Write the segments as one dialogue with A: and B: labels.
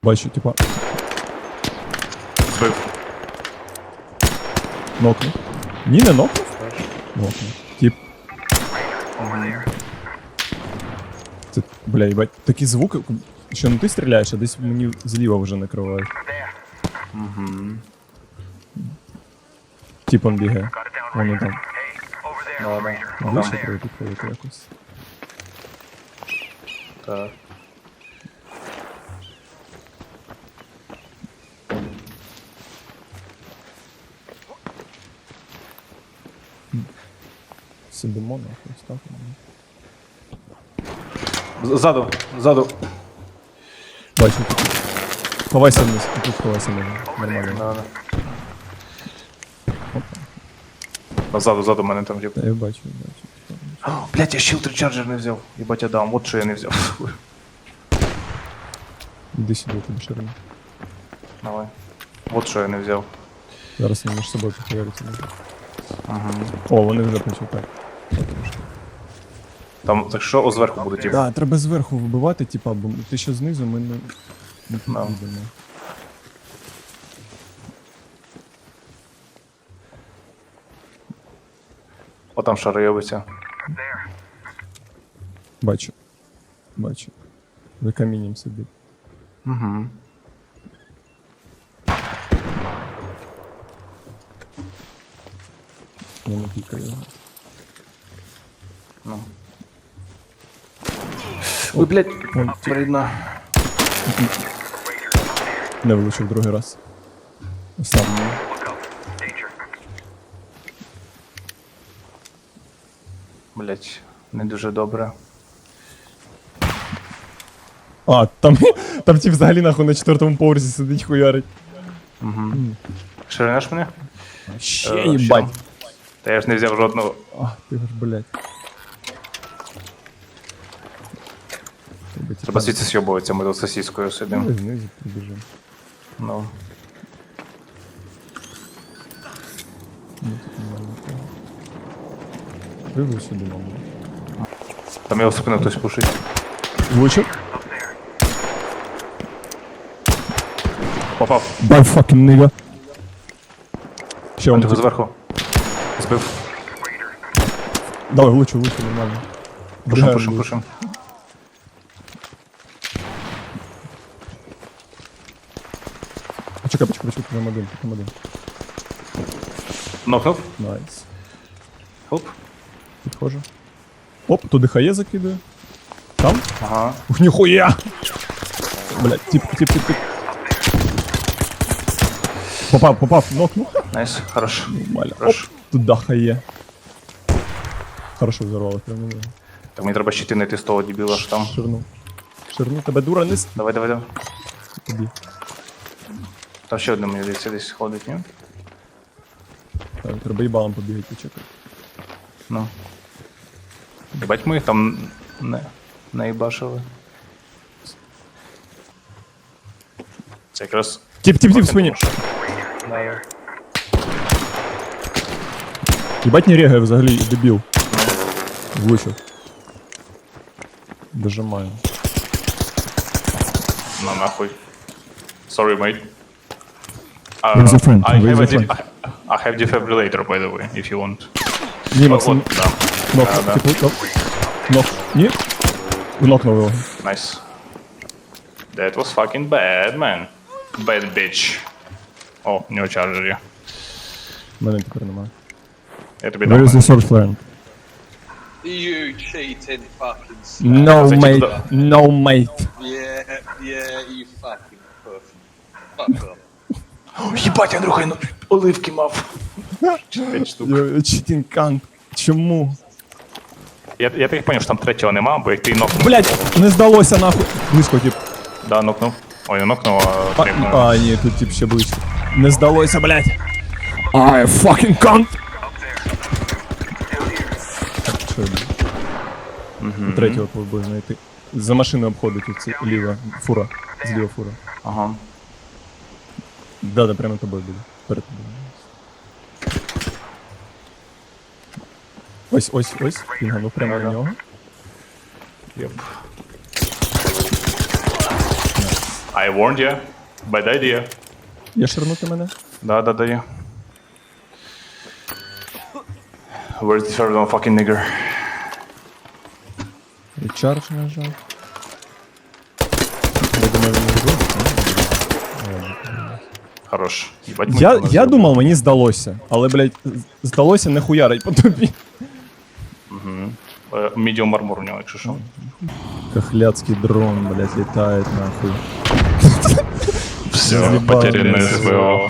A: Бачу, типа,
B: Збив.
A: нокнув. Ні, не нокнув? Нокнув. Тип. Це, бля, їбать, такі звуки, що не ти стріляєш, а десь мені зліва вже накривають.
B: Угу.
A: Тип он бігає. Воно там.
B: Ладно.
A: Вище треба підходити якось.
B: Так.
A: Сидимо нахуй, став.
B: Ззаду, ззаду.
A: Бачу, тут. Ховайся вниз, тут ховайся вниз. Нормально.
B: Ладно. Ззаду, ззаду мене там тип.
A: Та я бачу, бачу.
B: Блять, я shield recharger не взяв. Єбать, я дам, от що я не взяв.
A: Іди сюди, я тобі ширину.
B: Давай. От що я не взяв.
A: Зараз вони між собою поговоряться.
B: Ага.
A: О, вони вже почекають.
B: Там, так що, зверху буде тип.
A: Да, треба зверху вибивати, типа, бо ти що знизу, ми не
B: Да.
A: підійдемо.
B: О, там шаройовиця.
A: Бачу. Бачу. За камінням сидить.
B: Угу.
A: Я не пікаю його.
B: Ну. Ой, блять,
A: Вон,
B: вредно.
A: не влучив другий раз. Сам.
B: Блять, не дуже добре.
A: А, там, там ті взагалі нахуй на 4-му поверсі сидить хуярить.
B: Угу. Ширинеш мене?
A: Ще
B: Е,
A: їбать.
B: ще. Та я ж не взяв жодного.
A: А, ти ж, блядь.
B: Треба звідси сьобуватися, ми тут сосіскою сидимо.
A: Ми знизу прибіжимо.
B: Ну.
A: Ну, тут немає нікого. Прибув сюди, мабуть.
B: Там його в спину хтось пушить.
A: Влучив?
B: Попав.
A: Бай fucking nigga. Ще
B: Он
A: он
B: тебе
A: тут.
B: зверху. Збив.
A: Давай, влучу, нормально.
B: Пушим,
A: Бля,
B: пушим,
A: ну,
B: пушим.
A: Почекай, там один.
B: Нокнув.
A: Найс.
B: Хоп.
A: Підходжу. Оп, туди хає закидаю. Там?
B: Ага.
A: Ух, ніхуя! Блядь, тип. Попав, нокнув.
B: Найс, хорош.
A: Нормально. Оп,
B: Хорош.
A: туди хає. Хорошо взорвало, прям не знаю.
B: Так мені треба щити знайти з того дебіла, що там.
A: Ширну, тебе дура не
B: Давай, давай, давай.
A: тобі.
B: Там ще одне мені десь ходить, ні?
A: Так, треба їбалом побігати, почекай.
B: Ну. Єбать ми їх там не їбашили. Це якраз...
A: Тип, в спині.
B: Давай.
A: Їбать не регає взагалі, дебіл. Влучив. Дожимаю.
B: На нахуй. Sorry, mate.
A: Where's your friend?
B: I
A: Where's
B: have
A: your
B: I have defibrillator, by the way, if you want.
A: Ні, Максим,
B: От, да.
A: нок,
B: Да.
A: типу, нок. Ні? Нокнув його.
B: Nice. That was fucking bad, man. Bad bitch. О, у нього чарджер є.
A: Мене тепер немає.
B: Я тобі
A: Where
B: дам.
A: is the source flag?
C: You cheating fucking snake.
A: No,
B: Це
A: mate.
B: типу,
A: No, mate.
C: Yeah, you fucking puff. Fuck off.
B: Єбать, Андрюха, я оливки мав. 5 штук.
A: Cheating cunt. Чому?
B: Я так поняв, що там третього нема, бо як ти нокнув.
A: Блять, не здалося нахуй. Близько, тип.
B: Да, нокнув. Ой, не нокнув, а тріпнув.
A: А, ні, тут тип ще близько. Не здалося, блять. I fucking cunt. Так, що я буду? Третього повинен знайти. За машиною обходить оці ліва фура. Зліва фура.
B: Ага.
A: Да, прямо тобою буде. Перед тобою. Ось. Пінганув прямо на нього.
B: Єп. I warned you. Bad idea.
A: Є ширнути мене?
B: Да, є. Where's the third one, fucking nigger?
A: Речардж нажав. Я думаю, він не зробить,
B: Хорош. Ебать, ми
A: Я
B: його не
A: думав, мені здалося. Але, блядь, здалося не хуярить по тобі.
B: Medium armor у нього, якщо що.
A: Кахляцкий дрон, блядь, летает нахуй.
B: Все,
A: Разъебал,
B: потерянное
A: блядь.
B: СВО.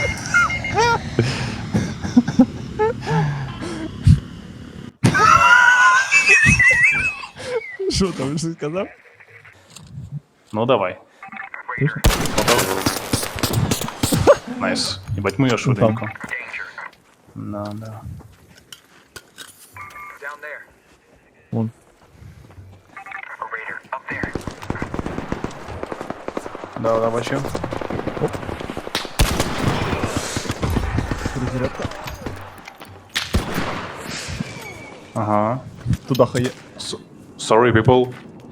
A: Що там, що сказав?
B: Ну давай. Найс. Ебать, ми його швиденько. Да.
A: Вон.
B: Да, бачу.
A: Перезарядка.
B: Ага.
A: Туда хає.
B: Sorry, people.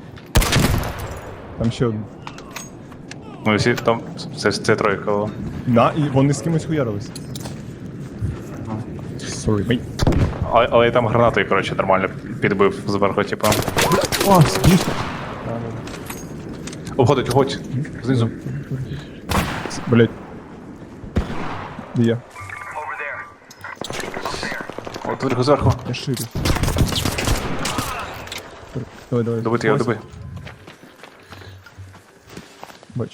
A: Там ще один.
B: Ну, всі там. Це тройка. о.
A: Да, і вони з кимось хуярились. Sorry, mate.
B: Але я там гранатою, коротше, нормально підбив зверху, типу.
A: О, смішно.
B: Уходить. Знизу.
A: Блять. Де я?
B: От зверху.
A: Я ширю. Давай.
B: Добити його, доби.
A: Бачу.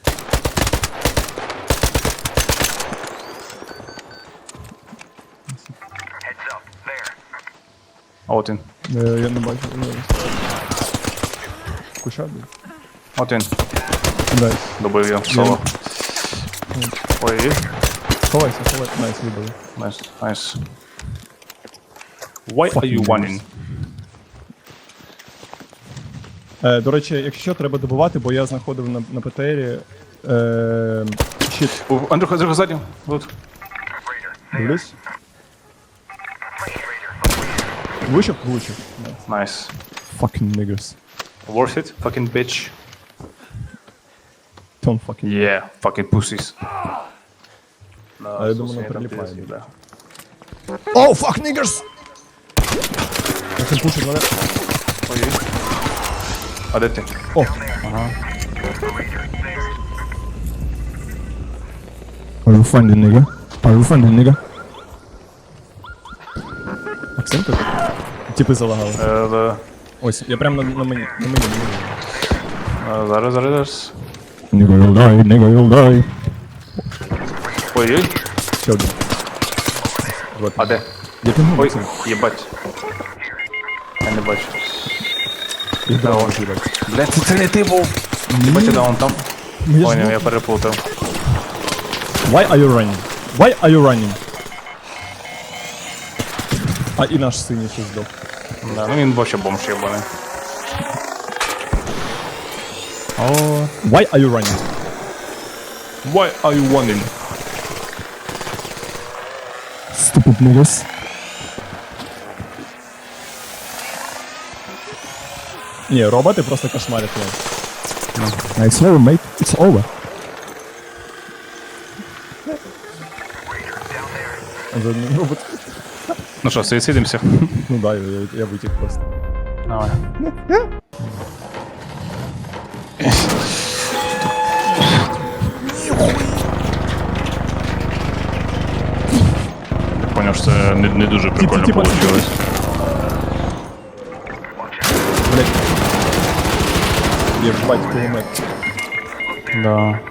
B: А от він.
A: Я не бачу. Куща, блядь.
B: От він.
A: Найс.
B: Добив його. Соло. Ой.
A: Ховайся. Найс, вибили.
B: Nice. Why are you running?
A: До речі, якщо треба добувати, бо я знаходив на ПТРі щит.
B: Андрюха, ззаді. От.
A: Дивлюсь. Влучив? Влучив.
B: Nice.
A: Fucking niggas.
B: Worth it, fucking bitch.
A: Don't fucking...
B: Yeah, fucking pussies.
A: А я думаю, воно прилипає.
B: Да.
A: Oh, fuck niggas! Я не пушить мене.
B: Ой. А де ти?
A: О! Are you friendly, nigga? Are you friendly, nigga? Максим тут? Типи залагали.
B: Да.
A: Ось, я прям на мені.
B: Зараз.
A: Nigga, you'll die, nigga, you'll die.
B: Ой.
A: Ще один. Вот.
B: А де?
A: Я ти
B: Ой,
A: Максим.
B: єбать. Я не бачу.
A: Я дрон їбать.
B: Блядь, це не ти був. Єбать, да, он там. Поняв, я переплутав.
A: Why are you running? Why are you running? А і наш синій ще здох.
B: Да, ну він вообще бомж єбаний.
A: Why are you running?
B: Why are you running?
A: Stupid niggas. Ні, роботи просто кошмарять нас. It's over, mate. It's over. Робот.
B: Ну що, суїцидимося?
A: Ну да, я витік просто.
B: Давай. Поняв, що це не дуже прикольно
A: Типа,
B: вийшло.
A: Блять. Єбать кулемет.
B: Да.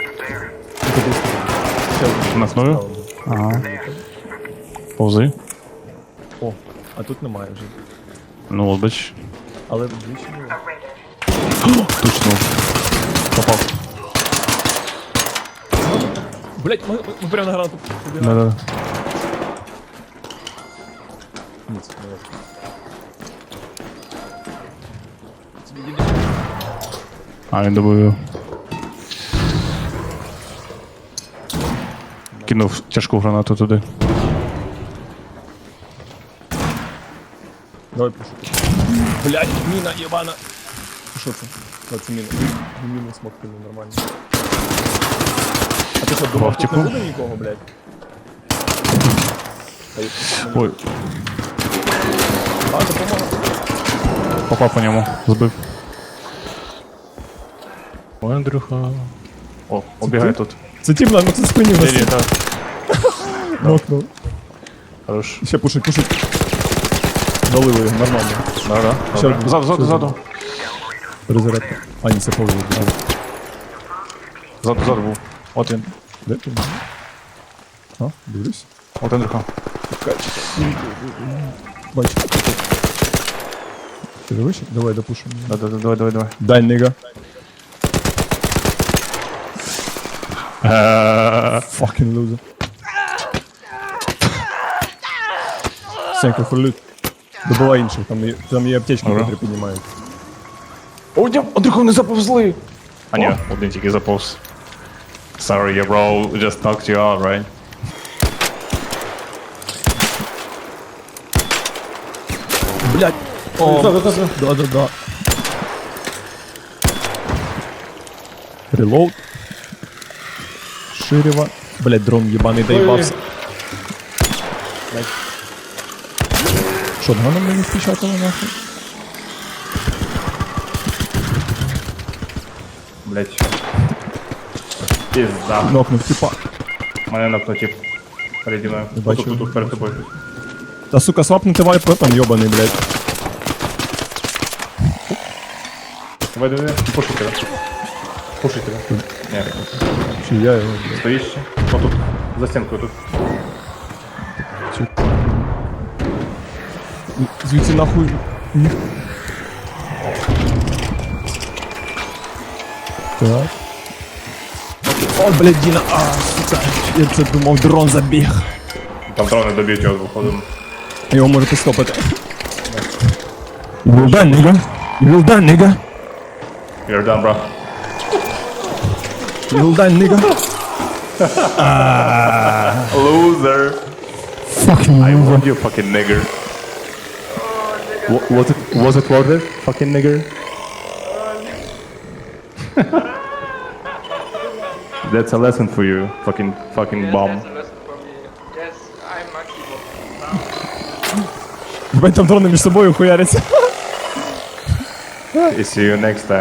B: Нахною? Ага. Повзи.
A: О, а тут немає вже.
B: Ну, от бач.
A: Але вдвічі було.
B: Точно. Попав.
A: Блять, ми прямо на гранату побігли.
B: Да-да.
A: Ні, це не важко.
B: А, він добив. Кинув тяжку гранату туди.
A: Давай пишу. Блять, міна єбана. Що це? це мінус. Мінус смокнули нормально. А ти що, думав, тут не буде нікого, блядь?
B: Ой,
A: А, допомога.
B: попав по ньому, збив. Ой, Андрюха. О, убігай тут.
A: Це ті, блядь, це спині в нас.
B: Ні, так.
A: Нокнув.
B: Хорош.
A: Ще пушить. Долили його, нормально.
B: Да.
A: Ще
B: Добре. Ззаду.
A: Перезарядка. А, ні, це повний.
B: Ззаду був. От він.
A: Де ти? А, дивлюсь.
B: От Андрюха.
A: Бачу. Ти дивишся? Давай допушимо.
B: Давай.
A: Дай, нига. Fucking loser. Сенька, фурлют. Добувай інших, там є аптечки,
B: Ага.
A: які піднімають.
B: О, Андрюха, не заповзли. А ні, один тільки заповз. Sorry, your bro just knocked you out, right?
A: Блять! О, да. Релоуд. Ширева. Блять, дрон ебаный доебался. Шотганом мені впечатало нахуй.
B: Блять. Пизда.
A: Нокнув типа.
B: Мене нокнув переді мною.
A: Бачу.
B: Тут, перед тобою.
A: Та сука, свапнути вайп там ёбаний, блять.
B: Давай. Пуши тебе. Ні,
A: Чи я його, блять.
B: стоїш ще. О, тут. За стінкою тут.
A: Звідси нахуй. Ні. Так. О, блядь, Діна, сука. Я це думав, дрон забіг.
B: Там дрони доб'ють його виходимо.
A: Його можете стопити. You will die, nigga. You will die, nigga.
B: You're done, bro.
A: You will die, nigga.
B: Loser.
A: Fucking
B: I want you, fucking nigger. Was it worth it, fucking nigger? That's a lesson for you, fucking bomb.
D: That's a lesson for me. Yes, I'm Monkey Bot.
A: Блядь, там дрони між собою хуяряться.
B: See you next time.